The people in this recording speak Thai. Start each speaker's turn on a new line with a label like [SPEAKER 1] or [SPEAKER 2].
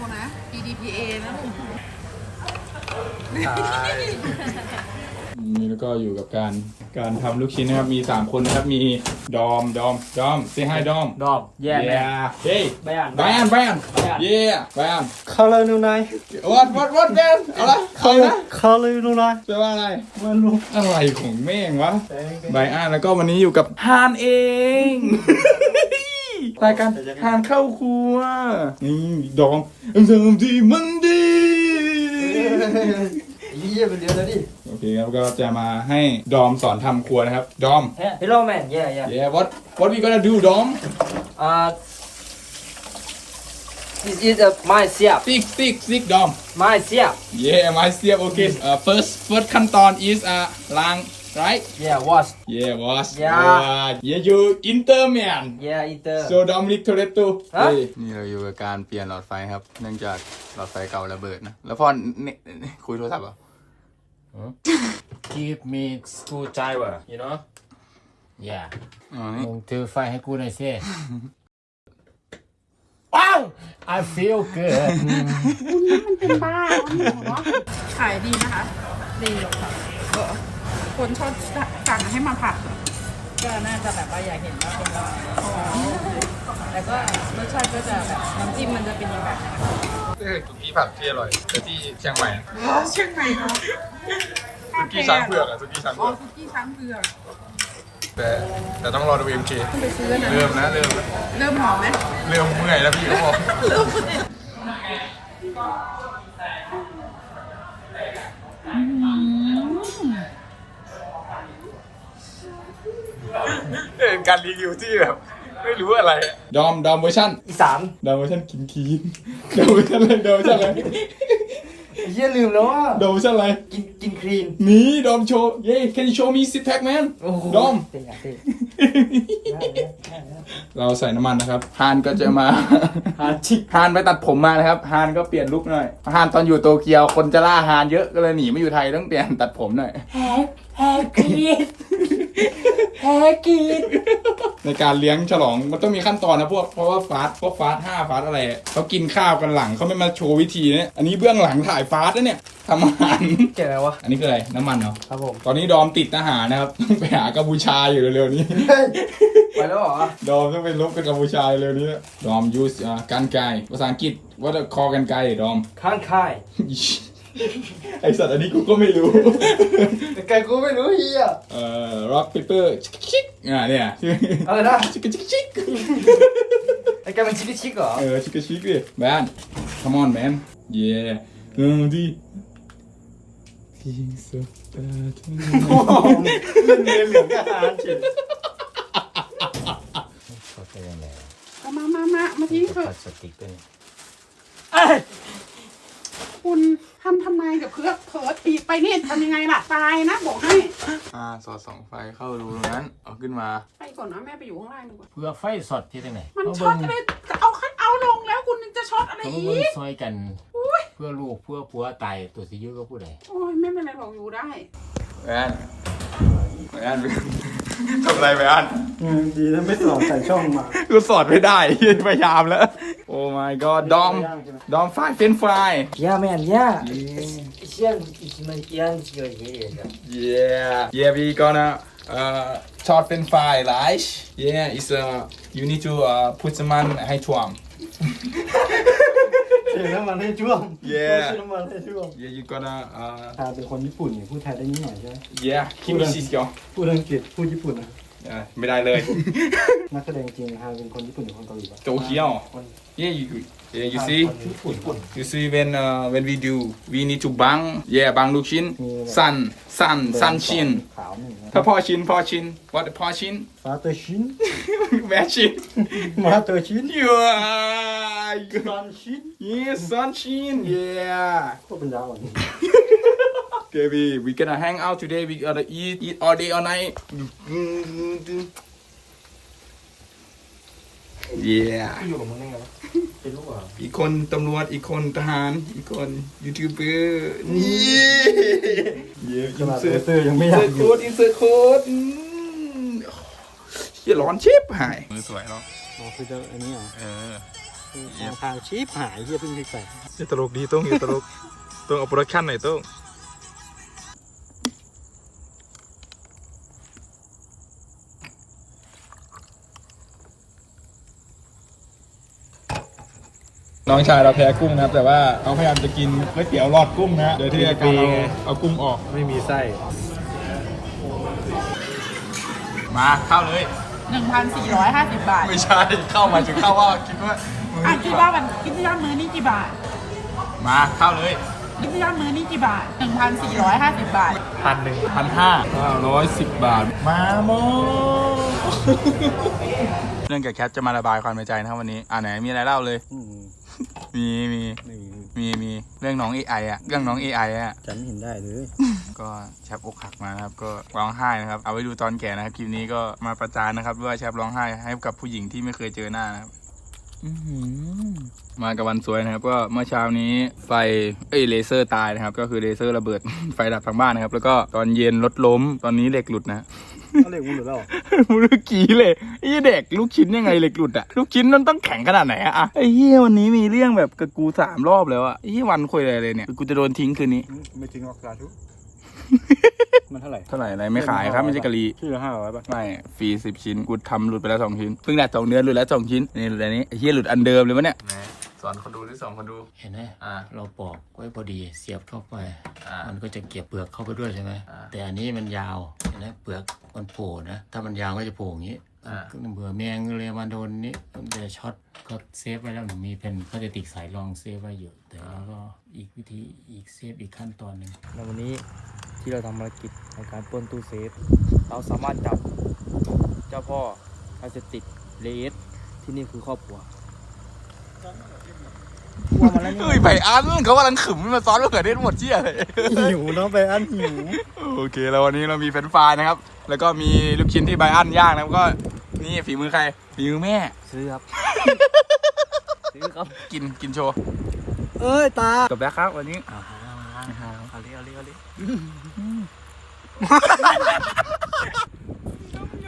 [SPEAKER 1] นะ PDPA นะลูก
[SPEAKER 2] นี่แล้วก็อยู่กับการทำลูกชิ้นนะครับมี3คนนะครับมีดอมsay hi ดอม
[SPEAKER 3] yeah man
[SPEAKER 2] hey
[SPEAKER 3] Bayan
[SPEAKER 2] yeah Bayan
[SPEAKER 4] Color นูนาย
[SPEAKER 2] what man เอาละเอาละ
[SPEAKER 4] Color นูนาย
[SPEAKER 2] แปลว่าอะไร
[SPEAKER 4] มันรู้
[SPEAKER 2] อะไรของแม่งวะไบอันแล้วก็วันนี้อยู่กับฮานเอง รายการฮานเข้าครัวนี่ดอมทำที่มันดี
[SPEAKER 4] เยี่ยเป็นเดือนแล้วดิ
[SPEAKER 2] โอเคครับก็จะมาให้ดอมสอนทำครัวนะครับดอม
[SPEAKER 3] hello man yeah
[SPEAKER 2] yeah what we gonna do ดอม
[SPEAKER 3] this is my เสียบ
[SPEAKER 2] stick ดอม
[SPEAKER 3] my เสียบ
[SPEAKER 2] yeah my เสียบ okay first ขั้นตอน is ล้าง right
[SPEAKER 3] yeah wash
[SPEAKER 2] wash
[SPEAKER 3] Yeah.
[SPEAKER 2] yeah you inter man
[SPEAKER 3] yeah eater
[SPEAKER 2] so Dominic Toretto
[SPEAKER 3] ฮะ
[SPEAKER 2] นี่เราอยู่กับการเปลี่ยนหลอดไฟครับเนื่องจากหลอดไฟเก่าระเบิดนะแล้วพ่อเนี่ยคุยโทรศัพท์เหรอ
[SPEAKER 5] Give me screwdriver you know yeah
[SPEAKER 2] อ๋อนี่
[SPEAKER 5] มึงถือไฟให้กูหน่อยสิว้าว I feel good
[SPEAKER 1] เป็นบ้าเนาะขายดีนะคะ ดีค่ะคนชอบสั่งให้มาผัดก็น่าจะแบบว่าอยากเห็นว่าเป็นยังไงแต่ก็รสชาติก็จะแบบน้ำจิ้มมันจะเป็นยังไง
[SPEAKER 2] สุกี้ผัดที่อร่อยแต่ที่เชียงใหม่
[SPEAKER 1] เชียงใหม่เนาะ
[SPEAKER 2] สุกี้ช้างเผือกอะสุกี้ช้าง
[SPEAKER 1] อ๋อ
[SPEAKER 2] เผือก
[SPEAKER 1] สุกี้ช้างเผือก
[SPEAKER 2] แต่ต้องรอดู MK
[SPEAKER 1] ไปซื้อนะ
[SPEAKER 2] เริ่มนะ
[SPEAKER 1] เริ่มหอมไหม
[SPEAKER 2] เริ่มเมื่อยแล้วพี่เขาบอกเป็นการรีวิวที่แบบไม่รู้อะไรดอมเวอร์ชัน
[SPEAKER 3] อีสาน
[SPEAKER 2] ดอมเวอร์ชันกินคีนดอมเวอร์ชันอะไรดอมเวอร์ชันอะไร
[SPEAKER 3] เฮียลืมแล้วว่า
[SPEAKER 2] ดอมเวอร์ชันอะไร
[SPEAKER 3] กินคลีน
[SPEAKER 2] นี่ดอมโชว์เย้ can you show me six pack man ดอม
[SPEAKER 3] เตะ
[SPEAKER 2] เราใส่น้ำมันนะครับฮานก็จะมา
[SPEAKER 3] หาชิก
[SPEAKER 2] ฮานไปตัดผมมานะครับฮานก็เปลี่ยนลุคหน่อยฮานตอนอยู่โตเกียวคนจะล่าฮานเยอะก็เลยหนีมาอยู่ไทยต้องเปลี่ยนตัดผมหน่อย
[SPEAKER 3] แฮกรีดแฮกรีด
[SPEAKER 2] ในการเลี้ยงฉลองมันต้องมีขั้นตอนนะเพราะว่าฟาส5ฟาสอะไรเขากินข้าวกันหลังเขาไม่มาโชว์วิธีเนี่ยอันนี้เบื้องหลังถ่ายฟาสนะเนี่ยทำอาหาร
[SPEAKER 3] เจ๋งอะไรวะ
[SPEAKER 2] อันนี้คืออะไรน้ำมันเหรอ
[SPEAKER 3] ครับผม
[SPEAKER 2] ตอนนี้ดอมติดทหารนะครับ ต้องไปหากัมพูชาอยู่เร็วๆนี้
[SPEAKER 3] ไปแล้วเหรอ
[SPEAKER 2] ดอมต้องไปลบกับกัมพูชาเร็วนี้ดอม use กันไกรภาษาอังกฤษว่าจะคอกันไกรดอม
[SPEAKER 3] ข้างค่าย
[SPEAKER 2] ไอสัตว์อันนี้กูก็ไม่รู้
[SPEAKER 3] แต่ไก่กูไม่รู้เฮีย
[SPEAKER 2] rock paper ชิกเนี่ย
[SPEAKER 3] อะไรนะ
[SPEAKER 2] ชิก
[SPEAKER 3] ไอ้ไก่มันชิคเหรอ
[SPEAKER 2] ชิกดิแมน come on man yeah ดีทิ้งสุดตาทั้ง
[SPEAKER 4] เล่นเรียนเหลืองกับอาหารเฉย
[SPEAKER 5] เขาเป็นยังไง
[SPEAKER 1] เอามาทิ้งเถ
[SPEAKER 5] พ
[SPEAKER 1] อะ
[SPEAKER 5] ลาสติกด้วยนี่
[SPEAKER 1] คุณทำไมกับเพื่อเผลอตีไปนี่ทำยังไงล่ะตายนะบอกให้
[SPEAKER 2] สอดส่องไฟเข้ารูตรงนั้นเอาขึ้นมา
[SPEAKER 1] ไปก่อนนะแม่ไปอยู่ข้างล่างดีกว่า
[SPEAKER 5] เพื่อไฟสดที่ตรงไหน
[SPEAKER 1] มัน
[SPEAKER 5] เขา
[SPEAKER 1] ช็อ
[SPEAKER 5] เบิ่
[SPEAKER 1] ต
[SPEAKER 5] ง
[SPEAKER 1] อะไรเอาลงแล้วคุณจะช็อตอะไร
[SPEAKER 5] เขา
[SPEAKER 1] อี
[SPEAKER 5] เบิ่ง
[SPEAKER 1] ก
[SPEAKER 5] ซอยกัน เพื่อลูกเพื่อผัวตายตัวสิยุก็พูดได้
[SPEAKER 1] โอ้ยไม่เป็นไรหรอกอยู่ได้
[SPEAKER 2] แมนทำอะไรแมน
[SPEAKER 4] ดีนะไม่สอบใส่ช่องมา
[SPEAKER 2] กูสอดไม่ได้ พยายามแล้ว โอ้ my god ดอมไฟเฟนฟราย
[SPEAKER 3] ย่าแมนย่าเชี่ยมันยังเกี่ยวเหี้ย
[SPEAKER 2] yeah we gonna short french fry right yeah it's you need to put some มันให้ท่วม
[SPEAKER 4] เทน้ำมันให้ช่วง
[SPEAKER 2] Yeah
[SPEAKER 4] น้ำมันให้ช่วง
[SPEAKER 2] yeah you gonna
[SPEAKER 4] เป็นคนญี่ปุ่นเนี่ยพูดไทยได้นิดหน่อยใช่ไหม
[SPEAKER 2] yeah คิมิชิสโก
[SPEAKER 4] พูดอังกฤษพูดญี่ปุ่นนะ
[SPEAKER 2] ไม่ได้เลย
[SPEAKER 4] นักแสดงจริงเป็นคนญี่ปุ่นหรือคนเกาหลีปะ
[SPEAKER 2] โตเกียว yeah you see
[SPEAKER 4] ญี่ปุ่น
[SPEAKER 2] you see when we do we need to บัง yeah บังลูกชิ้น sun ชิ้น
[SPEAKER 4] ขาวหนึ่ง
[SPEAKER 2] ถ้าพ่อชิ้นwhat พ่อชิ้น
[SPEAKER 4] ฟาเตอร์ชิน
[SPEAKER 2] แม่ชิ้น
[SPEAKER 4] มาเตอร์ชิน
[SPEAKER 2] yeah
[SPEAKER 4] ซอนชิน
[SPEAKER 2] yes sun ชิ้น yeah
[SPEAKER 4] ก็เป็นดาวอ่ะ
[SPEAKER 2] Okay, we gonna hang out today. We gonna eat all day, all night. Yeah.
[SPEAKER 3] อยู่กับมึงได้ไงวะเป็นลูกเหรอ
[SPEAKER 2] อีกคนตำรวจอีกคนทหารอีกคนยูทูบเบอร์นี่เย้
[SPEAKER 4] ขนาดเซอร์ยังไม่อยากอยู่
[SPEAKER 2] อินเสิร์ตโค้ดเฮียร้อนชิบหายมือสวยเนาะ
[SPEAKER 4] คือจะอันนี้เหรอ
[SPEAKER 2] เออ
[SPEAKER 4] ทางชีพหายเฮียเพิ่งพริกใส่
[SPEAKER 2] อย่าตลกดีต้องอย่าตลกต้องเอาโปรดักชั่นหน่อยต้องน้องชายเราแพ้กุ้งนะครับแต่ว่าเขาพยายามจะกินก๋วยเตี๋ยวหลอดกุ้งนะโดยที่การเอากุ้งออก
[SPEAKER 4] ไม่มีไส้
[SPEAKER 2] มาเข้าเลย
[SPEAKER 1] 1,450 บาท
[SPEAKER 2] ไม่ใช่เข้ามาถึงเข้าว่าคิดว่า
[SPEAKER 1] คิดว่ามื้อนี้กี่บาท
[SPEAKER 2] มาเข้าเลย
[SPEAKER 1] คิดว่ามื้อนี้กี่บาท 1,450 บาท
[SPEAKER 2] 1,510 บาทมาโมเรื่องกับแคทจะมาระบายความในใจนะครับวันนี้ไหนมีอะไรเล่าเลยมีเรื่องน้อง AI อ่ะเรื่องน้อง AI อ่ะ
[SPEAKER 4] ฉันเห็นได้เลย
[SPEAKER 2] ก็แชปอกหักมานะครับก็ร้องไห้นะครับเอาไว้ดูตอนแก่นะครับคลิปนี้ก็มาประจานนะครับว่าแชปร้องไห้ให้กับผู้หญิงที่ไม่เคยเจอหน้านะครับมากับวันสวยนะครับก็เมื่อเช้านี้ไฟเลเซอร์ตายนะครับก็คือเลเซอร์ระเบิด ไฟดับทั้งบ้านนะครับแล้วก็ตอนเย็นรถล้มตอนนี้เหล็กหลุดนะ
[SPEAKER 4] เขาเรียกมึงหรือเปล่า
[SPEAKER 2] มึงรู้กี่เลยไอ้เด็กลูกชิ้นยังไงเหล็กหลุดอะลูกชิ้นมันต้องแข็งขนาดไหนอะไอ้เหี้ยวันนี้มีเรื่องแบบกับกู3 รอบแล้วอะไอ้เหี้ยวันคุยอะไรเลยเนี่ยกูจะโดนทิ้งคืนนี้
[SPEAKER 4] ไม่ถึงออกสาธุมันเท่าไหร่
[SPEAKER 2] เท่าไหร่อะไรไม่ขายครับไม่ใช่กะลี
[SPEAKER 4] ชื่อละ500ป่ะ
[SPEAKER 2] ไม่ฟรี10 ชิ้นกูทำหลุดไปแล้ว2 ชิ้นเพิ่งได้2 เดือนหลุดแล้ว2 ชิ้นนี่หลุดอันนี้ไอ้เหี้ยหลุดอันเดิมเลยวะเนี่ยสอนคนดูที่2 คนดู
[SPEAKER 5] เห็นไหมเราปอกไว้พอดีเสียบเข้าไปมันก็จะเก็บเปลือกเข้าไปด้วยใช่ไหมแต่อันนี้มันยาวเห็นไหมเปลือกมันโผล่นะถ้ามันยาวก็จะโผล่อย่างนี้ก็เบื่อแมงเลยมาโดนนี้มันจะช็อตก็เซฟไว้แล้วหนูมีเป็นพลาสติกสายรองเซฟไว้อยู่แต่แล้วก็อีกวิธีอีกเซฟอีกขั้นตอนหนึ่ง
[SPEAKER 3] ในวันนี้ที่เราทำภารกิจในการปล้นตู้เซฟเราสามารถจับเจ้าพ่อพลาสติกเลสที่นี่คือครอบครัวกลัวมาแล้วนี่
[SPEAKER 2] เฮ้ยไผ่อันเขากำลังขึมมาซ้อนมะเขือเทศหมดเชี่ยเลย
[SPEAKER 4] หิวเนาะไปอันหิว
[SPEAKER 2] โอเคแล้ววันนี้เรามีเฟรนช์ฟรายนะครับแล้วก็มีลูกชิ้นที่ไบอันย่างนะครับก็นี่ฝีมือใครฝีมือแม่
[SPEAKER 3] ซื้อครับ ซื้อครับ
[SPEAKER 2] กินโชว์
[SPEAKER 4] เอ้ยตา
[SPEAKER 2] จบแล้วครับวันนี้
[SPEAKER 3] เอาเลย